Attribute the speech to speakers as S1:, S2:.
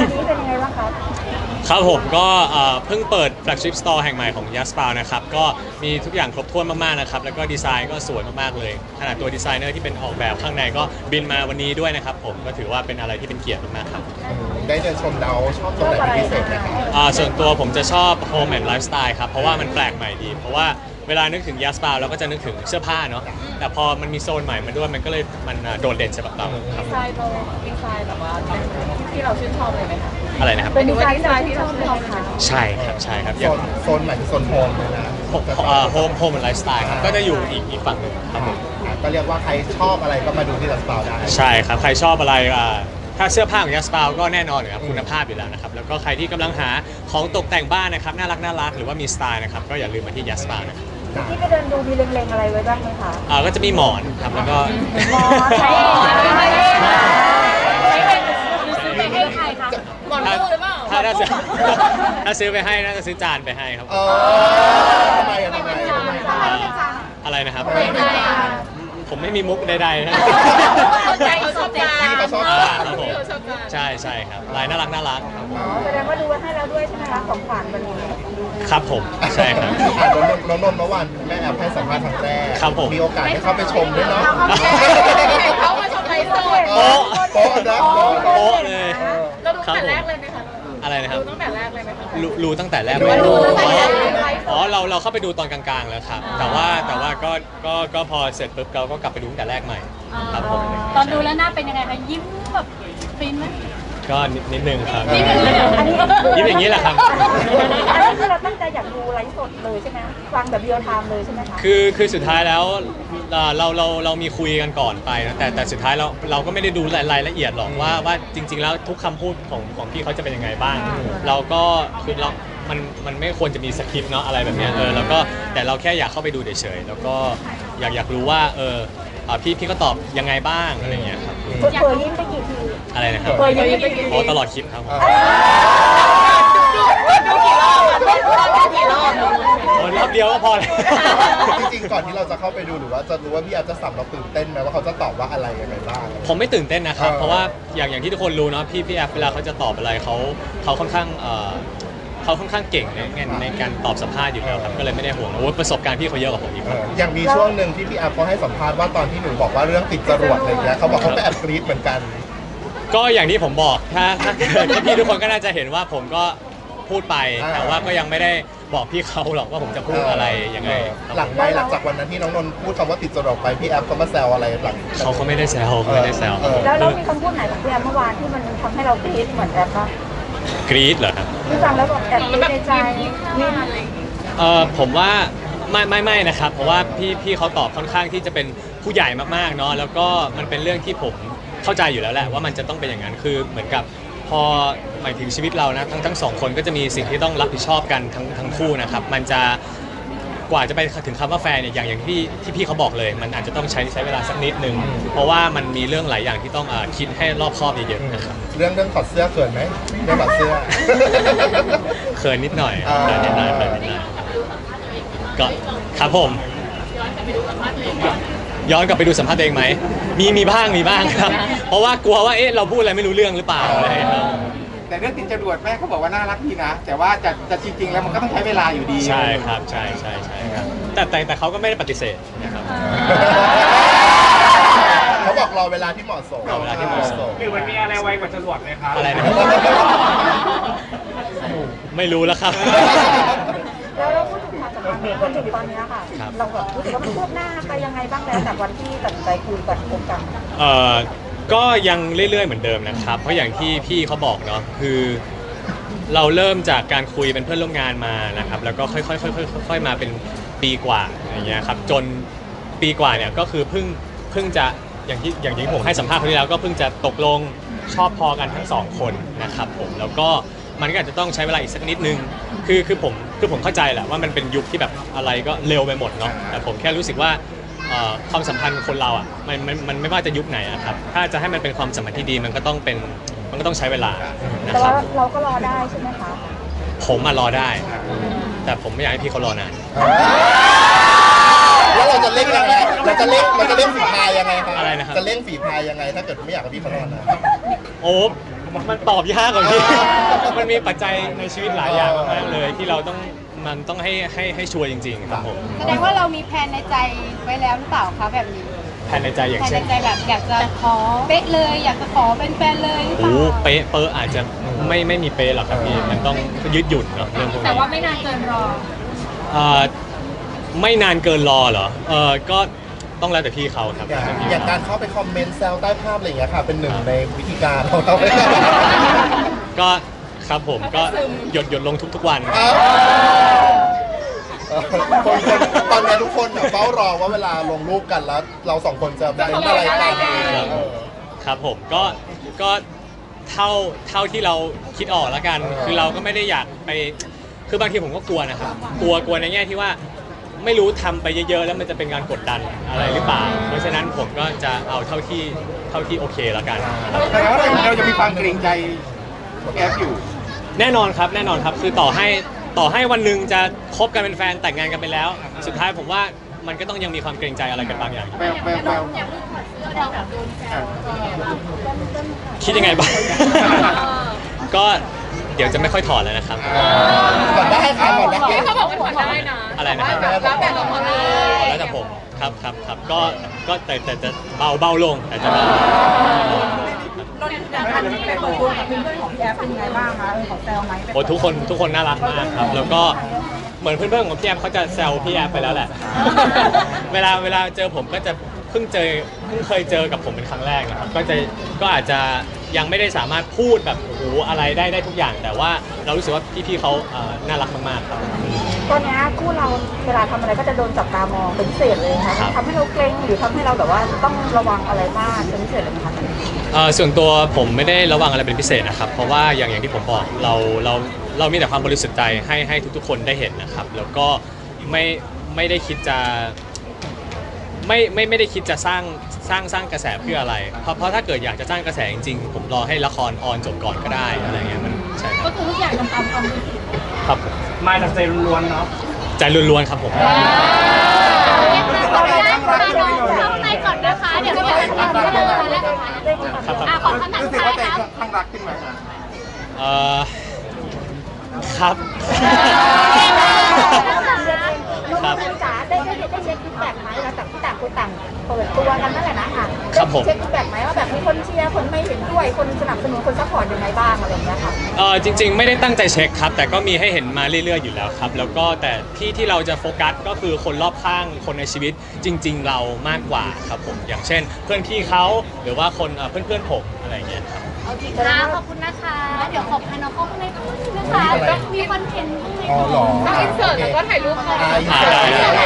S1: นี้เป็นยังไงบ้างครับ
S2: ครับผมก็เพิ่งเปิด flagship store แห่งใหม่ของ Yaspal นะครับก็มีทุกอย่างครบถ้วนมากๆนะครับแล้วก็ดีไซน์ก็สวยมากๆเลยขนาดตัวดีไซเนอร์ที่เป็นออกแบบข้างในก็บินมาวันนี้ด้วยนะครับผมก็ถือว่าเป็นอะไรที่เป็นเกียรติมากๆครับ
S3: ได้เดินชมแล้วชอบตรงไหนเป็นพิเศษไหมครับ
S2: ส่วนตัวผมจะชอบ home and lifestyle ครับเพราะว่ามันแปลกใหม่ดีเพราะว่าเวลานึกถึง Yaspal เราก็จะนึกถึงเสื้อผ้าเนาะแต่พอมันมีโซนใหม่มาด้วยมันก็เลยมันโดดเด่นสำหรับเราครับ
S4: ดีไซน์แบบว่าที่เราชื่นชอบเลยไหมคะ
S2: อะไรนะครับ
S1: เป็นดีไซน์ที่เราชอบค่ะ
S2: ใช่ครับใช่ครับ
S3: โซนใหม่คือโซนโฮมเลยนะ
S2: โฮมและไลฟ์สไตล์ครับก็จะอยู่อีกฝั่งหนึ่งครับผม
S3: ก็เรียกว่าใครชอบอะไรก็มาดูที่ยัสปาวได้
S2: ใช่ครับใครชอบอะไรถ้าเสื้อผ้าของยัสปาวก็แน่นอนครับคุณภาพอยู่แล้วนะครับแล้วก็ใครที่กำลังหาของตกแต่งบ้านนะครับน่ารักหรือว่ามีสไตล์นะครับก็อย่าลืมมาที่ยัสปาวนะครับ
S1: ที่ไปเดินดูมีเล็งๆอะไรไว้บ้างไหมคะ
S2: ก็จะมีหมอนครับแล้วก็
S1: หมอนใช่
S4: ไปให้ใครคะหมอนตู้หรือเปล่า
S2: ถ้าซื้อไปให้น่าจะซื้อจานไปให้ครับ
S3: ทำไม
S2: อะไรนะครับผมไม่มีมุกใดๆนะ
S4: เขาชอบจาน
S3: เขาชอบจาน
S2: ครับผมใช่ครับลายน่ารักครับ
S1: แสดงว่าดูให้แล้วด้วยใช่ไหมคะของขวัญวันนี้
S2: ครับผมใช่ครับ
S3: น้องนนท์เมื่อวานแม่แอบให้สัมภาษณ์ครั้งแรก
S2: ครับผม
S3: มีโอกาสให้เขาไปชมด้วยเนาะ
S4: เขามาชมไลฟ์สด
S3: โป๊ะนะ
S2: โป๊ะเลย
S4: เราดูตั้งแต่แรกเลยไหมคะ
S2: อะไรนะครับ
S4: ดูตั้งแต่แรกเลยไหมคะ
S2: รู้ตั้งแต่แรกเราเข้าไปดูตอนกลางๆแล้วครับแต่ว่าก็พอเสร็จปุ๊บเราก็กลับไปดูตั้งแต่แรกใหม่ครับผม
S4: ตอนดูแล้วหน้าเป็นยังไงคะยิ้มแบบฟินไหม
S2: ก็นิดนึงครับ
S4: นิดนึงเลย
S2: ยิ้มอย่างนี้แหละครับ
S1: อันนี้คือเราตั้งใจอยากดูไลฟ์สดเลยใช่ไหมฟังแบบเรียลไทม์เลยใช่ไหมคะ
S2: คือสุดท้ายแล้วเรามีคุยกันก่อนไปนะแต่สุดท้ายเราก็ไม่ได้ดูรายละเอียดหรอกว่าจริงๆแล้วทุกคำพูดของพี่เขาจะเป็นยังไงบ้างเราก็คือมันไม่ควรจะมีสคริปต์เนาะอะไรแบบนี้แล้วก็แต่เราแค่อยากเข้าไปดูเฉยๆแล้วก็อยากรู้ว่าพี่ก็ตอบยังไงบ้างอะไรเงี้ยครับ
S1: เผยยิ้มไปกี่ที
S2: อะไรนะครับตลอดคลิปครับ
S4: ดูกี่รอบดูกี่รอบ
S2: รอบเดียวก็พอแล้ว
S3: จริงๆก่อนที่เราจะเข้าไปดูหรือว่าจะรู้ว่าพี่อาจจะสับเราตื่นเต้นไหมว่าเขาจะตอบว่าอะไรยังไงบ้าง
S2: ผมไม่ตื่นเต้นนะครับเพราะว่าอย่างที่ทุกคนรู้เนาะพี่แอฟเวลาเขาจะตอบอะไรเขาค่อนข้างเก่งในการตอบสัมภาษณ์อยู่แล้วครับก็เลยไม่ได้ห่วงว่าประสบการณ์พี่เขาเยอะกว่าผมอีก
S3: อย่างมีช่วงหนึ่งที่พี่แอฟเขาให้สัมภาษณ์ว่าตอนที่หนูบอกว่าเรื่องติดจรวดอะไรเงี้ยเขาบอกเขาก็แอบกรี๊ดเหมือนกัน
S2: ก็อย่างที่ผมบอกถ้าพี่ทุกคนก็น่าจะเห็นว่าผมก็พูดไปแต่ว่าก็ยังไม่ได้บอกพี่เขาหรอกว่าผมจะพูดอะไรยังไง
S3: หลังจากวันนั้นที่น้องนนท์พูดคำว่าติดจรวดไปพี่แอฟเขามาแซวอะไรหลัง
S2: เขาไม่ได้แซว
S1: แล้วมีคำพูดไหนของพี่แอฟเมื่อวานที่มันทำให้เรากรี๊ดเหมือนแอฟปะ
S2: กรี๊ดเหรอครับ
S1: ที่ฟังแล้วแบบแอบในใจ
S2: ผมว่าไม่นะครับเพราะว่าพี่เขาตอบค่อนข้างที่จะเป็นผู้ใหญ่มากๆเนาะแล้วก็มันเป็นเรื่องที่ผมเข้าใจอยู่แล้วแหละว่ามันจะต้องเป็นอย่างนั้นคือเหมือนกับพอหมายถึงชีวิตเรานะทั้งสองคนก็จะมีสิ่งที่ต้องรับผิดชอบกันทั้งคู่นะครับมันจะกว่าจะไปถึงคำว่าแฟนเนี่ยอย่างที่พี่เขาบอกเลยมันอาจจะต้องใช้เวลาสักนิดนึงเพราะว่ามันมีเรื่องหลายอย่างที่ต้องคิดให้รอบคอบเยอะๆนะครับ
S3: เรื่องถอดเสื้อเขินไหมเรื่องถอดเสื้อ
S2: เขินนิดหน่อยก็ครับผมย้อนกลับไปดูสัมภาษณ์เองไหมมีบ้างครับเพราะว่ากลัวว่าเราพูดอะไรไม่รู้เรื่องหรือเปล่าอะไรครับ
S5: แต่เรื่องติดจรวดแม่เขาบอกว่าน่ารักดีนะแต่ว่าจะจริงๆแล้วมันก็ต้องใช้เวลาอยู่ดี
S2: ใช่ครับใช่ครับแต่เขาก็ไม่ได้ปฏิเสธนะครับ
S3: เขาบอกรอเวลาที่เหมาะสม
S5: คือมันมีอะไรไวกว่าจรวดไหมครับ
S2: อะไรนะไม่รู้แล้วครับ
S1: แล้วเราพูดถึงความสัมพันธ์จนถึงตอนนี้ค่ะเราแบบรู้สึกว่ามันคืบหน้าไปยังไงบ้างแล้วจากวันที่ตัดใจคุยกันคบกัน
S2: ก็ยังเรื่อยๆเหมือนเดิมนะครับเพราะอย่างที่พี่เขาบอกเนาะคือเราเริ่มจากการคุยเป็นเพื่อนร่วมงานมานะครับแล้วก็ค่อยๆมาเป็นปีกว่าอย่างเงี้ยครับจนปีกว่าเนี่ยก็คือเพิ่งจะอย่างที่ผมให้สัมภาษณ์ครั้งที่แล้วก็เพิ่งจะตกลงชอบพอกันทั้งสองคนนะครับผมแล้วก็มันก็อาจจะต้องใช้เวลาอีกสักนิดนึงคือผมเข้าใจแหละว่ามันเป็นยุคที่แบบอะไรก็เร็วไปหมดเนาะแต่ผมแค่รู้สึกว่าความสัมพันธ์คนเราอ่ะมันไม่ว่าจะยุคไหนอะครับถ้าจะให้มันเป็นความสัมพันธ์ที่ดีมันก็ต้องใช้เวลานะ
S1: ค
S2: รับ
S1: แต่ว่าเราก็รอได้ใช่ไหมคะ
S2: ผมรอได้แต่ผมไม่อยากให้พี่เขารอนาน
S3: แล้วเราจะเล่นยังไงเราจะเล่นฝีพายยังไงครับ
S2: อะไรนะครับ
S3: จะเล่นฝีพายยังไงถ้าเกิดไม่อยากให้พี่เขารอนาน
S2: โอ้มันตอบยากกว่าพี่ มันมีปัจจัยในชีวิตหลายอย่างมากๆเลยที่เราต้องให้ชัวร์จริงๆครับผม
S6: แสดงว่าเรามีแผนในใจไว้แล้วหรือเปล่าคะแบบนี้
S2: แผนในใจอย่าง
S6: แผน
S2: เช่
S6: ใน
S2: น
S6: ใจแบบอยากจะขอเป๊ะเลยอยากจะขอเป็นแฟนเลยหรือเป
S2: โอ้
S6: ล่า
S2: เป๊ะเปอร์อาจจะไม่มีเป๊ะหรอกครับพี่มันต้องยืดหยุ่นเนาะเรื่องพวก
S4: แต่
S2: นี้
S4: ว่าไม่นานเกินรอ
S2: เอ่อไม่นานเกินรอเหรอก็ต้องแล้วแต่พี่เขาครับ
S3: อย่างการเข้าไปคอมเมนต์แซวใต้ภาพอะไรอย่างเงี้ยค่ะ เป็นหนึ่งในวิธีการของเราไหมครับ
S2: ก็ครับผมก็หยดลงทุกๆวัน
S3: คนตอนนี้ทุกคนแบบเฝ้ารอว่าเวลาลงรูปกันแล้ว เราสองคนจะเป็นอะไรกัน
S2: ครับผมก็เท่าที่เราคิดออกแล้วกัน คือเราก็ไม่ได้อยากไปคือบางทีผมก็กลัวนะครับกลัวในแง่ที่ว่าไม่รู้ทำไปเยอะๆแล้วมันจะเป็นการกดดันอะไรหรือเปล่า เพราะฉะนั้นผมก็จะเอาเท่าที่โอเคแล้วกัน
S5: แต่ว่าเราจะมีความเกรงใจแอฟอยู่
S2: แน่นอนครับคือต่อให้วันหนึ่งจะคบกันเป็นแฟนแต่งงานกันไปแล้ว สุดท้ายผมว่ามันก็ต้องยังมีความเกรงใจอะไรกันบางอย่างอยู่
S5: แวว
S2: คิดยังไงบ้าง ก็เดี๋ยวจะไม่ค่อยถอดแล้วนะครับ
S3: ก่อนได้ค่ะก่อนได้
S4: พี่เขาบอกว่าถอดได้นะ
S2: อะไรนะครับ
S4: แล้วแต่เราถอดได้
S2: แล้วแต่ผมครับก็แต่จะเบาลงแต่จะเบา
S1: ตอนนี้การที่ไปเปิดตัวกับเพื่อนๆของพี่แอฟเป็นยังไงบ้างคะของแซวไหม
S2: โอ้ทุกคนน่ารักมากครับ แล้วก็เหมือนเพื่อนๆของพี่แอฟเขาจะแซวพี่แอฟไปแล้วแหละ เวลาเจอผมก็จะเพิ่งเคยเจอกับผมเป็นครั้งแรกนะครับก็อาจจะยังไม่ได้สามารถพูดแบบโอ้โหอะไรได้ทุกอย่าง แต่ว่าเรารู้สึกว่าพี่ๆเขาน่ารักมากๆครับ
S1: ตอนนี้คู่เราเวลาทำอะไรก็จะโดนจับตามองเป็นพิเศษเลยนะคะทำให้เราเกรงหรือทำให้เราแบบว่าต้องระวังอะไรมากเป็นพิเศษเลยไหมคะ
S2: ส่วนตัวผมไม่ได้ระวังอะไรเป็นพิเศษนะครับ เพราะว่าอย่างที่ผมบอกเรามีแต่ความบริสุทธิ์ใจให้ทุกๆคนได้เห็นนะครับ แล้วก็ไม่ได้คิดจะไม่ได้คิดจะสร้างกระแสเพื่ออะไร เพราะถ้าเกิดอยากจะสร้างกระแสจริงๆผมรอให้ละครออนจบก่อนก็ได้อะไรเงี้ยมันใช่ค
S4: ก็
S2: รับ
S4: คือทุกอย่างทำตามความรู้สึก
S2: ครับผม
S5: มาจากใจล้วนๆเนาะ
S2: ใจล้วนๆครับผม
S6: ขออนุญาตพาน้องเข้าในก่อนนะคะ เดี๋ยวจะไปทำกันเลยนะคะ
S2: ครับ
S6: ขอคำถาม
S5: รู้
S6: สุ
S5: สึ
S6: ด
S5: ก
S6: ท้า
S5: ว่าย ใจ
S6: ครับ
S5: ข้างรักขึ้นไหม
S2: ครับ
S1: น้องคุณจ๋าได้เช็คฟีดแบ็กไหมหลังจากที่ต่างคนต่างเปิดตัวกันนั่นแหละนะค่ะ
S2: ครับผม
S1: เช็คฟีดแบ็กไหมว่าแบบมีคนเชียร์คนไม่เห็นด้วยคนสนับสนุนคนซัพพอร์ตยังไงบ้างอะไรอย่างเงี้ยค่ะ
S2: จริงๆไม่ได้ตั้งใจเช็คครับ แต่ก็มีให้เห็นมาเรื่อยๆอยู่แล้วครับ แล้วก็แต่ที่เราจะโฟกัสก็คือคนรอบข้างคนในชีวิตจริง ๆ เรามากกว่าครับผมอย่างเช่น เพื่อนพี่เขาหรือว่าคนเพื่อนๆผมอะไรอย่างเงี้ยครับ
S6: โอเคค่ะขอบคุณนะคะ เดี๋ยวขอพาน้องเข้าข้างในก่อนนะคะต้องมีคอนเทนต์ข้างใน
S3: อ๋อ
S6: ก่อน
S3: เหรอ
S4: ต้องอินเสิร์ตแล้วก็ถ่ายรูปเขา
S3: อินเสิร์ต